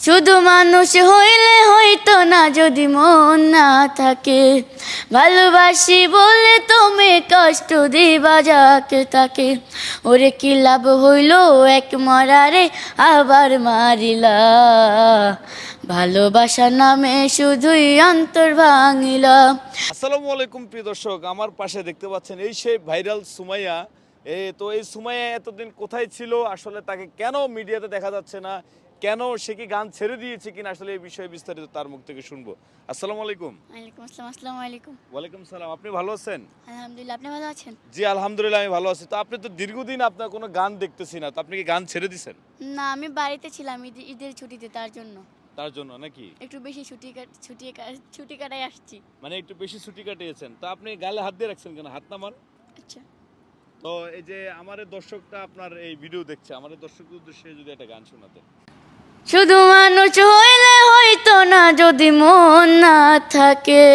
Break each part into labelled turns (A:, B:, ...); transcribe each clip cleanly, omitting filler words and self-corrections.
A: শুধু মানুষ হইলে হইতো না যদি মন না থাকে। ভালোবাসি বলে তুমি কষ্ট দিবা যাকে তাকে। ওরে কি লাভ হইল এক মরারে আবার মারিলা। ভালোবাসার নামে শুধুই অন্তর ভাঙিলা।
B: আসসালামু আলাইকুম প্রিয় দর্শক, আমার পাশে দেখতে পাচ্ছেন এই সেই ভাইরাল সুমাইয়া। এই সুমাইয়া এতদিন কোথায় ছিল, আসলে তাকে কেন মিডিয়াতে দেখা যাচ্ছে না, কেন সে কি গান ছেড়ে দিয়েছে কিনা, আসলে এই বিষয়ে বিস্তারিত তার মুখ থেকে শুনবো। আসসালামু আলাইকুম।
A: ওয়ালাইকুম আসসালাম। আসসালামু আলাইকুম।
B: ওয়ালাইকুম সালাম। আপনি ভালো আছেন?
A: আলহামদুলিল্লাহ, আপনি ভালো আছেন?
B: জি আলহামদুলিল্লাহ, আমি ভালো আছি। তো আপনি তো দীর্ঘদিন আপনার কোনো গান দেখতেছি না, তো আপনি কি গান ছেড়ে দিছেন?
A: না, আমি বাড়িতে ছিলাম ঈদের ছুটিতে, তার জন্য
B: তার জন্য নাকি?
A: একটু বেশি ছুটি কাটাই আসছি।
B: মানে একটু বেশি ছুটি কাটিয়েছেন, তো আপনি গালে হাত দিয়ে রাখছেন কেন? হাত নামান।
A: আচ্ছা,
B: তো এই যে আমার এই দর্শকটা আপনার এই ভিডিও দেখছে, আমার এই দর্শকদের উদ্দেশ্যে যদি একটা গান শোনাতেন।
A: শুধু মানুষ হইলে হইতো না যদি মন না থাকে।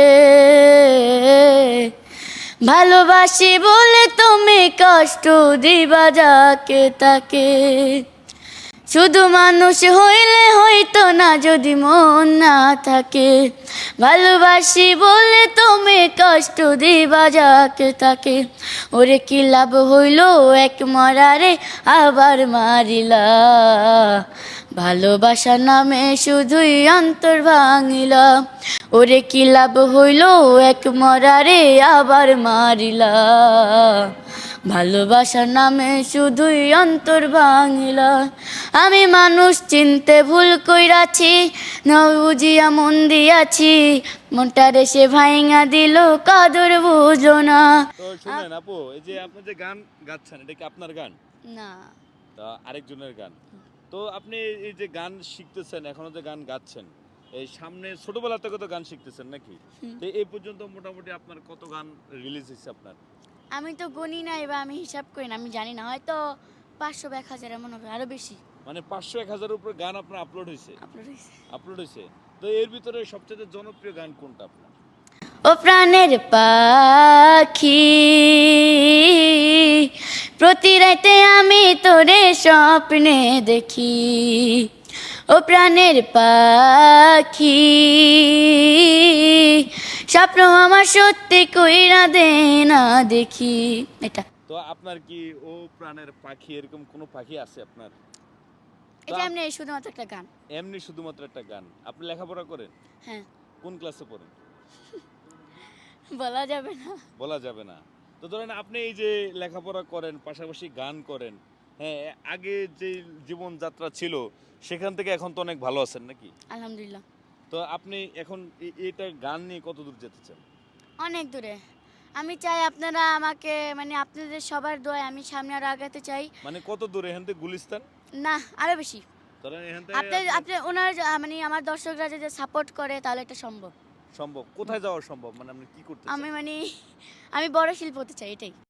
A: ভালোবাসি বলে তুমি কষ্ট দিবা যাকে তাকে। শুধু মানুষ হইলে হইতো না যদি মন না থাকে। ভালোবাসি বলে তুমি কষ্ট দিবা যাকে তাকে। ওরে কি লাভ হইল এক মরারে আবার মারিলা। ভালোবাসার নামে শুধুই অন্তর ভাঙিলা। ওরে কি লাভ হইল এক মরারে আবার মারিলা। ভালোবাসার নামে শুধুই অন্তর ভাঙিলা। আমি মানুষ চিনতে ভুল কইরাছি, না বুঝিয়া মন দিয়াছি। মনটারে সে ভাইঙা দিল, কদর বুঝো না।
B: তো শুনেন আপু, এই যে আপনি যে গান গাচ্ছেন, এটা কি আপনার গান?
A: না,
B: তা আরেকজনের গান। তো আপনি এই যে গান শিখতেছেন, এখনো যে গান গাচ্ছেন, এই সামনে ছোটবেলা থেকে তো গান শিখতেছেন নাকি? তো এই পর্যন্ত মোটামুটি আপনার কত গান রিলিজ হয়েছে আপনার?
A: আমি তো গণি নাই বা আমি হিসাব করি না, আমি জানি না, হয়তো 500 বা 1000 এমন হবে, আরো বেশি
B: মানে 500-1000 উপরে গান আপনার আপলোড হয়েছে?
A: আপলোড হয়েছে।
B: আপলোড হয়েছে। তো এর ভিতরে সবচেয়ে জনপ্রিয় গান কোনটা আপনার?
A: ও প্রাণের পাখি, প্রতি রাতে আমি তোরে স্বপ্নে দেখি। ও প্রাণের পাখি, স্বপ্ন আমার সত্যি কইরা দে না দেখি। এটা
B: তো আপনার কি ও প্রাণের পাখি এরকম কোনো পাখি আছে আপনার?
A: এটা এমনি শুধুমাত্র একটা গান।
B: এমনি শুধুমাত্র একটা গান। আপনি লেখাপড়া করেন?
A: হ্যাঁ,
B: কোন ক্লাসে পড়েন?
A: বলা যাবে না।
B: বলা যাবে না। তো ধরেন আপনি এই যে লেখাপড়া করেন, পাশাপাশি গান করেন, হ্যাঁ, আগে যে জীবনযাত্রা ছিল সেখান থেকে এখন তো অনেক ভালো আছেন নাকি?
A: আলহামদুলিল্লাহ,
B: তো আপনি এখন এটা গান নিয়ে কত দূর যেতে চান?
A: অনেক দূরে। আমি চাই আপনারা আমাকে, মানে আপনাদের সবার দোয়ায় আমি সামনে আরো আগাতে চাই।
B: মানে কত দূর? এখান থেকে গুলিস্তান?
A: না, আরো বেশি।
B: ধরেন এখান
A: আপনি
B: থেকে
A: আপনি ওনার মানে আমার দর্শকরা যদি সাপোর্ট করে তাহলে এটা সম্ভব।
B: সম্ভব? কোথায় যাওয়া সম্ভব? মানে আপনি কি করতে চান?
A: আমি মানে আমি বড় শিল্পী হতে চাই, এটাই।